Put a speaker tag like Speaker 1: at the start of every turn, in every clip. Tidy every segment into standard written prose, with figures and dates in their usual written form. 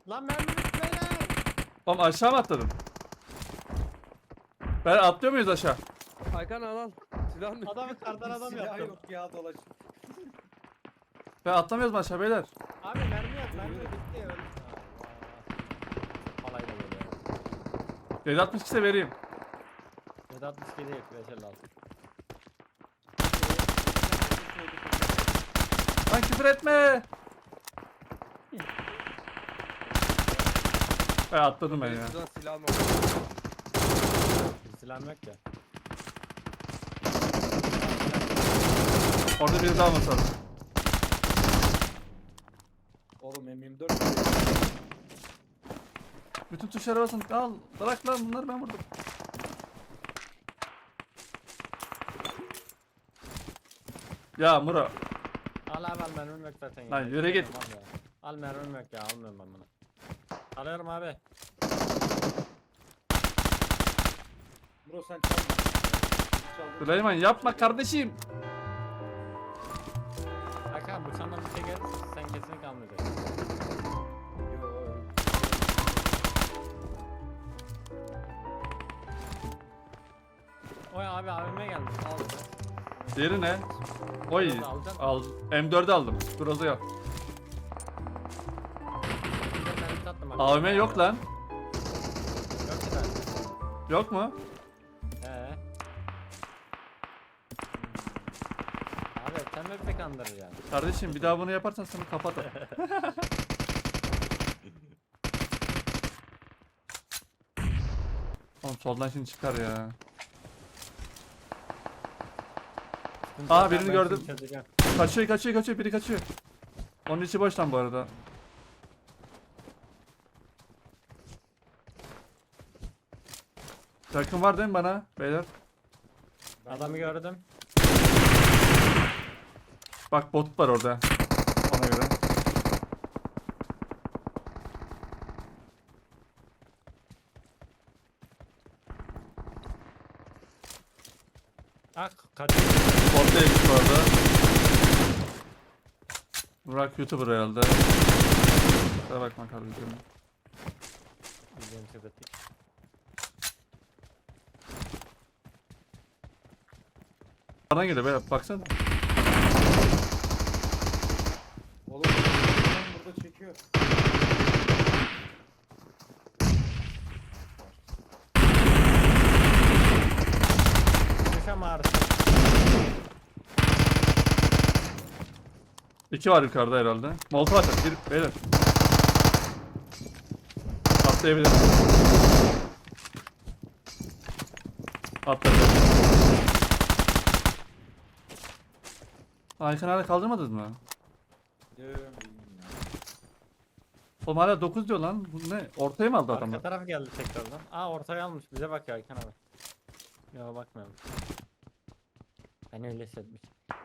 Speaker 1: Lan mermi bitti beyler.
Speaker 2: Oğlum aşağı mı atladın? Ben atlıyor muyuz aşağı?
Speaker 3: Hakan al. Silah mı?
Speaker 1: Adam kardan adam
Speaker 4: Silah
Speaker 1: yaptı.
Speaker 4: yok ya dolaş.
Speaker 2: Ben atlamıyoruz mu aşağı beyler?
Speaker 1: Abi mermi yat mermi bitti öldü. Alayla böyle.
Speaker 2: 762 ise vereyim.
Speaker 1: 762 değil 556.
Speaker 2: Lan küfür etme. Ben atladım ben ya.
Speaker 3: Şuradan silah mı?
Speaker 1: Bir silahım yok ya.
Speaker 2: Orada biri daha olması lazım.
Speaker 4: Oğlum M24.
Speaker 2: Bütün tuşlara basın. Al. Bırak lan bunları ben vurdum. Ya Muro.
Speaker 1: Al abi al mermim yok zaten ya.
Speaker 2: Lan yürü git.
Speaker 1: Al ya. Al mermim yok ya almıyorum ben bunu. Alıyorum abi.
Speaker 4: Bro sen çalma. Çaldın.
Speaker 2: Süleyman yapma kardeşim.
Speaker 1: Hakan bu çandan bir şey gelirse sen kesinlikle almayacaksın.
Speaker 4: Yo.
Speaker 1: Oy abi abime geldi. Al.
Speaker 2: Diğeri ne? Oy. Al. M4'ü aldım. Groza yok.
Speaker 1: Bir de mermi tattım bak.
Speaker 2: AVM yok lan.
Speaker 1: Yok ki zaten.
Speaker 2: Yok mu?
Speaker 1: Abi sen mi bir kandırır yani?
Speaker 2: Kardeşim bir daha bunu yaparsan seni kapatırım. Oğlum soldan şimdi çıkar ya. Aa, birini
Speaker 1: Ben
Speaker 2: gördüm.
Speaker 1: şimdi çözeceğim.
Speaker 2: Kaçıyor biri kaçıyor. Onun içi boş lan bu arada. Yakın var değil mi bana beyler?
Speaker 1: Adamı gördüm.
Speaker 2: Bak bot var orada. Ona göre.
Speaker 1: Ah kaç.
Speaker 2: Bot değilmiş bu arada. Burak YouTuber herhalde. Kusura bakma kardeşim.
Speaker 1: Bizim sebetik.
Speaker 2: Bana geliyor be baksana.
Speaker 4: Oğlum adam burada çekiyor.
Speaker 1: Düşem ağrısı.
Speaker 2: İki var yukarıda herhalde. Molotov atar. Bir beyler. Atlayabilir. Atladı. Aykan hala kaldırmadınız mı?
Speaker 4: Diyorum.
Speaker 2: Oğlum hala 9 diyor lan. Bu ne? Ortaya mı aldı
Speaker 1: Arka
Speaker 2: adamlar?
Speaker 1: taraf geldi tekrardan. Aa ortaya almış bize bak ya Aykan abi. Ya bakmıyorum. Ben öyle hissetmiş.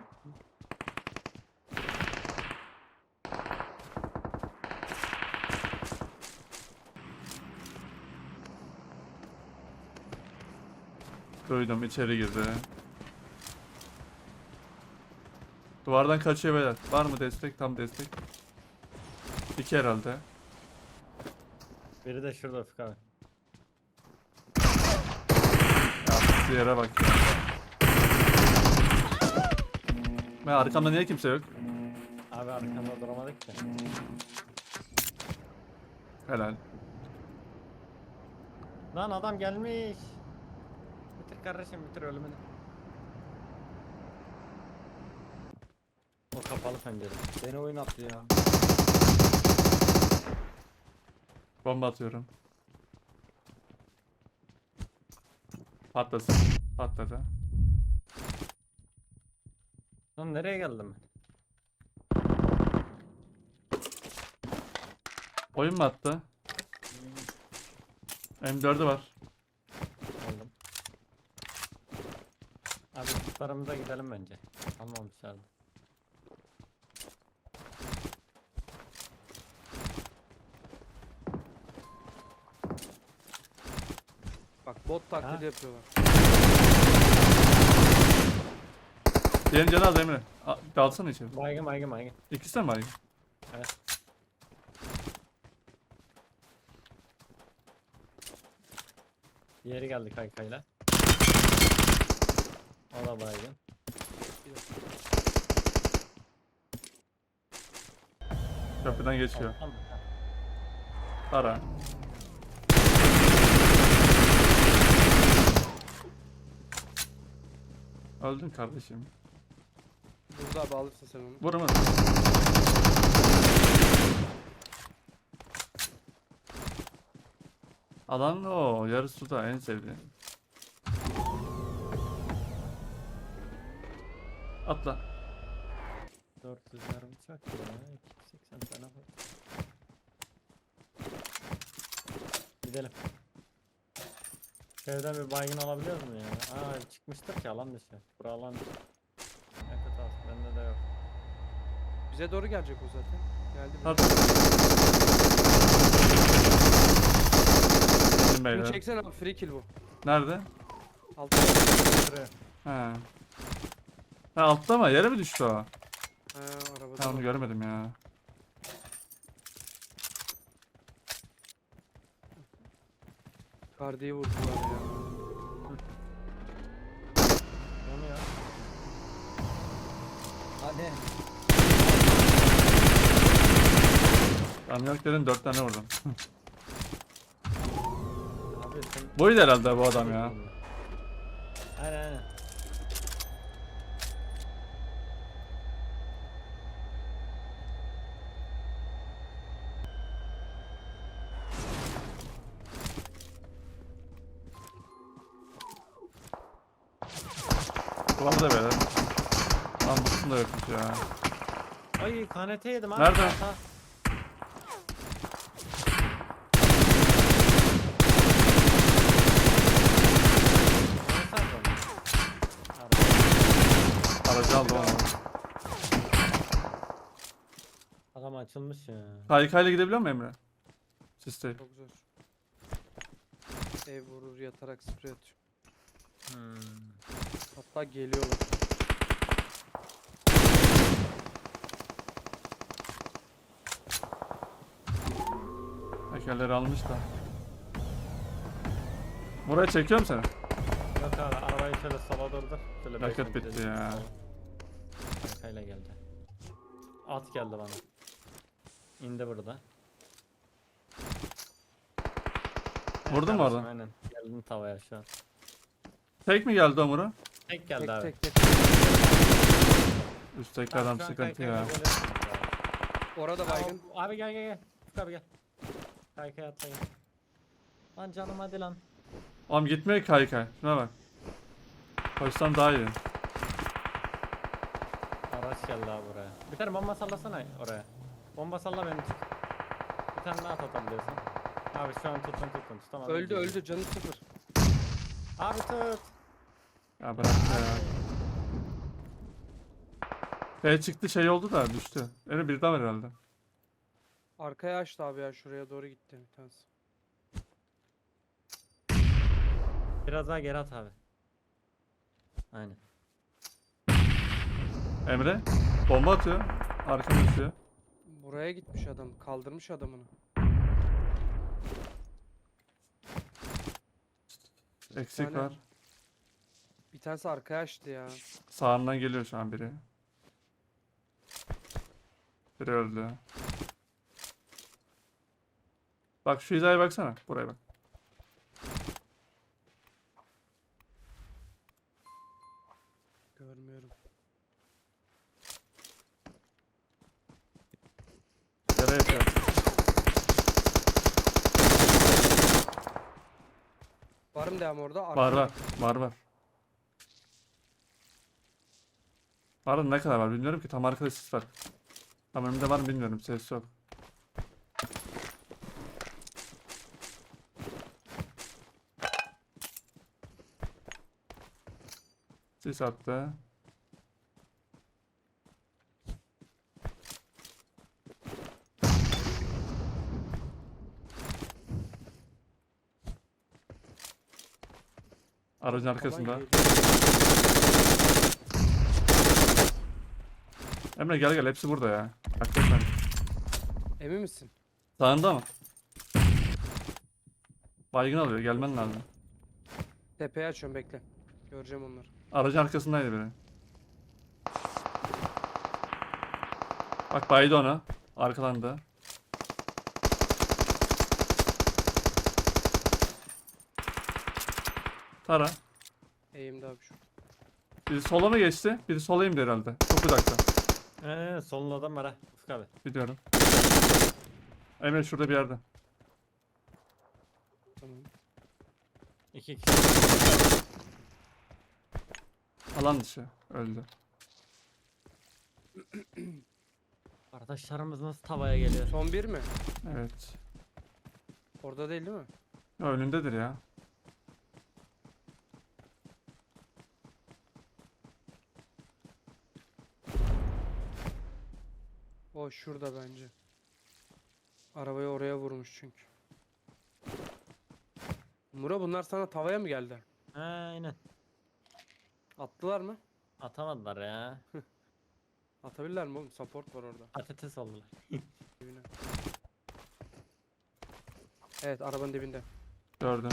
Speaker 2: Duydum içeri girdi. Duvardan kaçıyor beyler. Var mı destek? Tam destek. İki herhalde.
Speaker 1: Biri de şurada Ufuk abi.
Speaker 2: Ya yere bak ya. Ben arkamda niye kimse yok?
Speaker 1: Abi arkamda duramadık ki.
Speaker 2: Helal.
Speaker 1: Lan adam gelmiş. Bitir kardeşim bitir ölümünü. O kapalı pencere. Beni oyun attı ya.
Speaker 2: Bomba atıyorum. Patlasın. Patladı.
Speaker 1: Lan nereye geldim ben?
Speaker 2: Oyun mu attı? M4'ü var.
Speaker 1: Aldım. Abi tutlarımıza gidelim bence. Almamışlardı.
Speaker 3: Bak bot
Speaker 1: Ha?
Speaker 3: taklidi yapıyorlar.
Speaker 2: Diğerin canı az Emre. Dalsana içeri.
Speaker 1: Baygın baygın baygın.
Speaker 2: İkisi de mi baygın?
Speaker 1: Evet. Diğeri geldi kaykayla. O da baygın.
Speaker 2: Köprüden geçiyor.
Speaker 1: Alttan mı?
Speaker 2: Ara. Öldün kardeşim.
Speaker 3: Burada abi alırsın sen onu.
Speaker 2: Vuramadım. Alan o. Yarı suda en sevdiğim. Atla.
Speaker 1: 400 mermi çak ya. 280 tane var. Gidelim. Evden bir baygın alabiliyor mu ya? Aa çıkmıştır ki alan dışı. Bura alan dışı. Yakıt al. Bende de yok.
Speaker 3: Bize doğru gelecek o zaten. Geldi mi?
Speaker 2: Hadi. Gelin
Speaker 3: Şunu
Speaker 2: beyler.
Speaker 3: çeksene abi, free kill bu.
Speaker 2: Nerede?
Speaker 3: Altta.
Speaker 1: Şuraya.
Speaker 2: He. Ha altta mı? Yere mi düştü o?
Speaker 3: Ha, arabada.
Speaker 2: Ben onu
Speaker 3: var.
Speaker 2: görmedim ya.
Speaker 3: Kardiyi vurdular ya.
Speaker 1: Onu ya.
Speaker 4: Hani.
Speaker 2: Ben yok dedin 4 tane vurdum.
Speaker 1: Abi sen...
Speaker 2: Buydu herhalde bu adam ya.
Speaker 1: Aynen aynen.
Speaker 2: Kulağımı da böyle. Lan bu da yokmuş ya.
Speaker 1: Ay KNT yedim abi.
Speaker 2: Nerede?
Speaker 1: Ha. Oynasana sonra.
Speaker 2: Aracı aldım ama.
Speaker 1: Adam açılmış ya.
Speaker 2: Kaykayla gidebiliyor mu Emre? Sisteyim.
Speaker 3: Çok zor. Ev vurur yatarak sprey atıyor. Hatta geliyorlar.
Speaker 2: Tekerleri almış da. Buraya çekiyorum seni.
Speaker 1: Yok abi arabayı şöyle sola durdur. Şöyle beş
Speaker 2: Yakıt
Speaker 1: metre
Speaker 2: bitti
Speaker 1: dik
Speaker 2: ya.
Speaker 1: sola. Arkayla geldi. At geldi bana. İndi burada.
Speaker 2: Vurdun mu
Speaker 1: kardeşim,
Speaker 2: oradan?
Speaker 1: Aynen. Geldin tavaya şu an.
Speaker 2: Tek mi geldi Omur'a?
Speaker 1: Tek geldi
Speaker 3: Tek
Speaker 1: abi.
Speaker 3: tek tek.
Speaker 2: Üstteki adam
Speaker 1: Şu an
Speaker 2: sıkıntı
Speaker 1: kaykayla
Speaker 2: ya.
Speaker 1: geliyorsunuz abi.
Speaker 3: Orada baygın.
Speaker 1: Abi gel gel gel. Ufuk abi gel. Kaykaya atla gel. Lan canım hadi lan.
Speaker 2: Oğlum gitmiyor ki kaykay. Şuna bak. Koşsam daha iyi.
Speaker 1: Araç geldi abi buraya. Bir tane bomba sallasana oraya. Bomba salla beni çık. Bir tane daha atabiliyorsun. Abi şu an tutun tutamadım.
Speaker 3: Öldü öldü, canı sıfır.
Speaker 1: Abi tut.
Speaker 2: Ya bırak ya. Şey çıktı şey oldu da düştü. Öyle bir daha var herhalde.
Speaker 3: Arkaya açtı abi ya, şuraya doğru gitti bir tanesi.
Speaker 1: Biraz daha geri at abi. Aynen.
Speaker 2: Emre bomba atıyor. Arkana düşüyor.
Speaker 3: Buraya gitmiş adam, kaldırmış adamını.
Speaker 2: Eksik
Speaker 3: tane-
Speaker 2: var.
Speaker 3: Bir tanesi arkaya açtı ya.
Speaker 2: Sağından geliyor şu an biri. Biri öldü. Bak şu hizaya baksana. Buraya bak.
Speaker 3: Görmüyorum.
Speaker 2: Yere yapıyor.
Speaker 3: Var mı devam orada?
Speaker 2: Var var. Var var. Var da ne kadar var bilmiyorum ki. Tam arkada sis var. Tam önümde var mı bilmiyorum. Ses yok. Sis attı. Aracın arkasında.
Speaker 3: Alan
Speaker 2: Emre gel gel hepsi burada ya. Hakikaten.
Speaker 3: Emin misin?
Speaker 2: Sağında mı? Baygın alıyor gelmen lazım.
Speaker 3: Tepeye açıyorum bekle. Göreceğim onları.
Speaker 2: Aracın arkasındaydı biri. Bak baydı ona. Arkalandı. Tara.
Speaker 3: Eğimde abi şu.
Speaker 2: Biri sola mı geçti? Biri sola indi herhalde. Çok uzakta.
Speaker 1: Solun adam var ha. Ufuk abi.
Speaker 2: Biliyorum. Emre şurada bir yerde.
Speaker 3: Tamam.
Speaker 1: 2 kişi.
Speaker 2: Alan dışı. Öldü.
Speaker 1: Arkadaşlarımız nasıl tavaya geliyor?
Speaker 3: Son bir mi?
Speaker 2: Evet.
Speaker 3: Orada değil mi?
Speaker 2: Ya önündedir ya.
Speaker 3: O şurada bence. Arabayı oraya vurmuş çünkü. Muro bunlar sana tavaya mı geldi?
Speaker 1: Aynen.
Speaker 3: Attılar mı?
Speaker 1: Atamadılar ya.
Speaker 3: Atabilirler mi oğlum? Support var orada.
Speaker 1: Patates oldular.
Speaker 3: Dibine. Evet arabanın dibinde.
Speaker 2: Gördüm.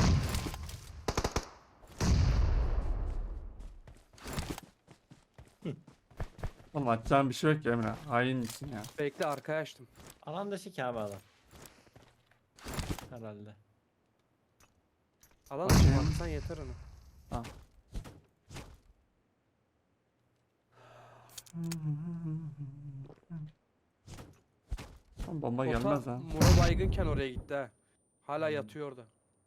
Speaker 2: Oğlum atacağım bir şey yok ki Emre. Hain misin ya?
Speaker 3: Bekle arkaya açtım.
Speaker 1: Alan dışı ki abi adam. Herhalde.
Speaker 3: Alan
Speaker 2: Bakayım.
Speaker 3: dışı atsan yeter onu.
Speaker 2: Oğlum bomba
Speaker 3: Ota,
Speaker 2: gelmez ha.
Speaker 3: Muro baygınken oraya gitti ha. Hala yatıyor orada.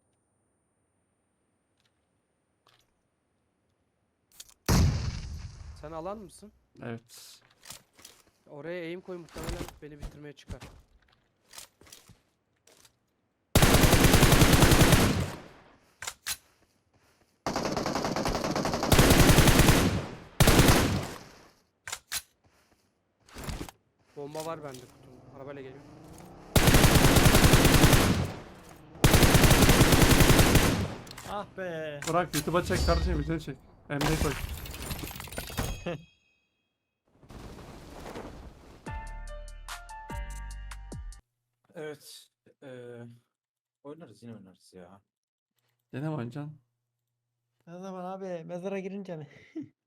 Speaker 3: Sen alan mısın?
Speaker 2: Evet.
Speaker 3: Oraya eğim koy muhtemelen beni bitirmeye çıkar. Bomba var bende kutumda. Arabayla geliyor.
Speaker 1: Ah be.
Speaker 2: Bırak YouTube'a çek kardeşim, videoyu çek. Emre'yi koy.
Speaker 4: Evet. Oynarız yine oynarız ya.
Speaker 2: Gene mi oynayacaksın?
Speaker 1: Ne zaman abi? Mezara girince mi?